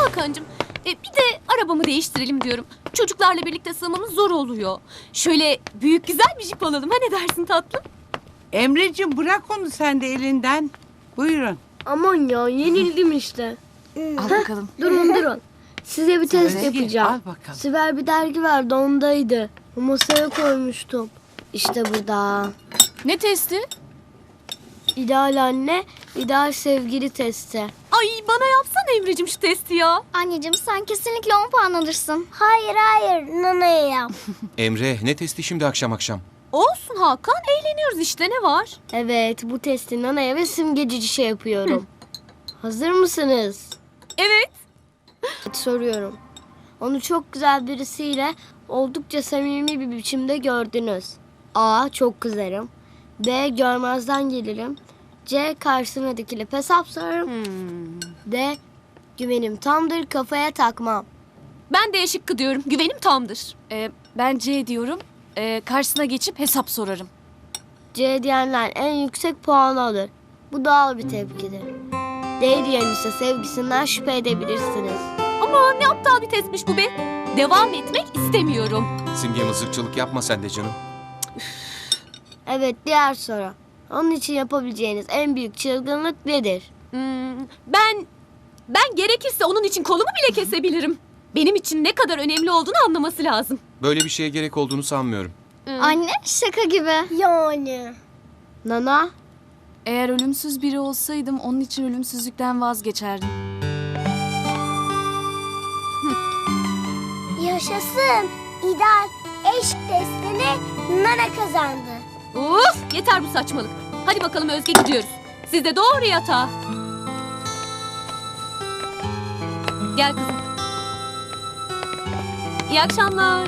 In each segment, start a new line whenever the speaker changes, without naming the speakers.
Hakan'cığım, bir de arabamı değiştirelim diyorum. Çocuklarla birlikte sığmamız zor oluyor. Şöyle büyük güzel bir jip alalım. Ha, ne dersin tatlım?
Emreciğim bırak onu sen de elinden. Buyurun.
Aman ya yenildim işte.
Al bakalım.
Durun. Size bir test
Özge,
yapacağım.
al bakalım.
Sibel bir dergi vardı ondaydı. O masaya koymuştum. İşte burada.
Ne testi?
İdeal anne, ideal sevgili testi.
Ay, bana yapsana Emre'cim şu testi ya.
Anneciğim sen kesinlikle 10 puan alırsın. Hayır Nana'ya yap.
Emre, ne testi şimdi akşam akşam?
Olsun Hakan, eğleniyoruz işte, ne var?
Evet bu testi Nana'ya ve simgeci şey yapıyorum. Hazır mısınız?
Evet.
Soruyorum. Onu çok güzel birisiyle oldukça samimi bir biçimde gördünüz. A. Çok kızarım. B. Görmezden gelirim. C. Karşısına dikilip hesap sorarım. D. Güvenim tamdır, kafaya takmam.
Ben de şıkkı diyorum. Güvenim tamdır.
Ben C diyorum. Karşısına geçip hesap sorarım.
C diyenler en yüksek puanı alır. Bu doğal bir tepkidir. D diyen ise sevgisinden şüphe edebilirsiniz.
Ama ne aptal bir testmiş bu be. Devam etmek istemiyorum.
Simge mızıkçılık yapma sen de canım.
Evet, diğer soru. Onun için yapabileceğiniz en büyük çılgınlık nedir?
Ben gerekirse onun için kolumu bile kesebilirim. Benim için ne kadar önemli olduğunu anlaması lazım.
Böyle bir şeye gerek olduğunu sanmıyorum.
Anne şaka gibi.
Yani. Nana?
Eğer ölümsüz biri olsaydım onun için ölümsüzlükten vazgeçerdim.
Yaşasın. İdeal eşk testini Nana kazandı.
Of, yeter bu saçmalık. Hadi bakalım Özge, gidiyoruz. Siz de doğru yatağa. Gel kızım. İyi akşamlar.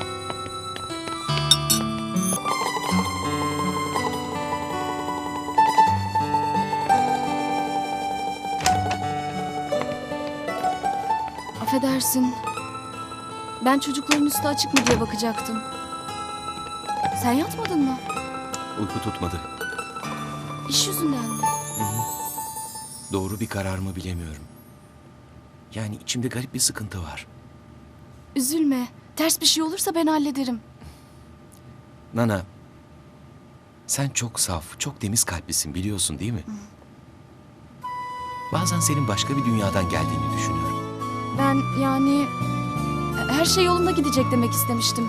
Affedersin. Ben çocukların üstü açık mı diye bakacaktım. Sen yatmadın mı?
Uyku tutmadı.
İş yüzünden mi?
Doğru bir karar mı bilemiyorum. Yani içimde garip bir sıkıntı var.
Üzülme. Ters bir şey olursa ben hallederim.
Nana, sen çok saf, çok temiz kalplisin biliyorsun değil mi? Bazen senin başka bir dünyadan geldiğini düşünüyorum.
Ben yani her şey yolunda gidecek demek istemiştim.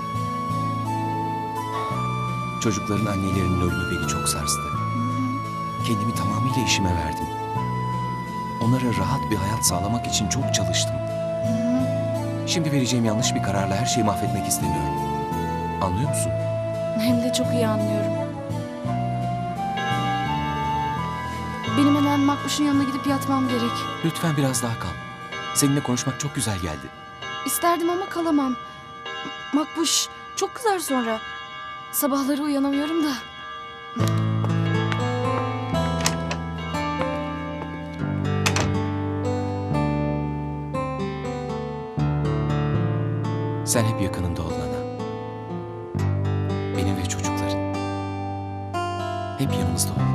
Çocukların annelerinin ölümü beni çok sarstı. Kendimi tamamıyla işime verdim. Onlara rahat bir hayat sağlamak için çok çalıştım. Şimdi vereceğim yanlış bir kararla her şeyi mahvetmek istemiyorum. Anlıyor musun?
Hem de çok iyi anlıyorum. Benim hemen Makbuş'un yanına gidip yatmam gerek.
Lütfen biraz daha kal. Seninle konuşmak çok güzel geldi.
İsterdim ama kalamam. Makbuş çok kızar sonra. Sabahları uyanamıyorum da.
Sen hep yakınımda ol Nana. Benim ve çocukların. Hep yanımızda ol.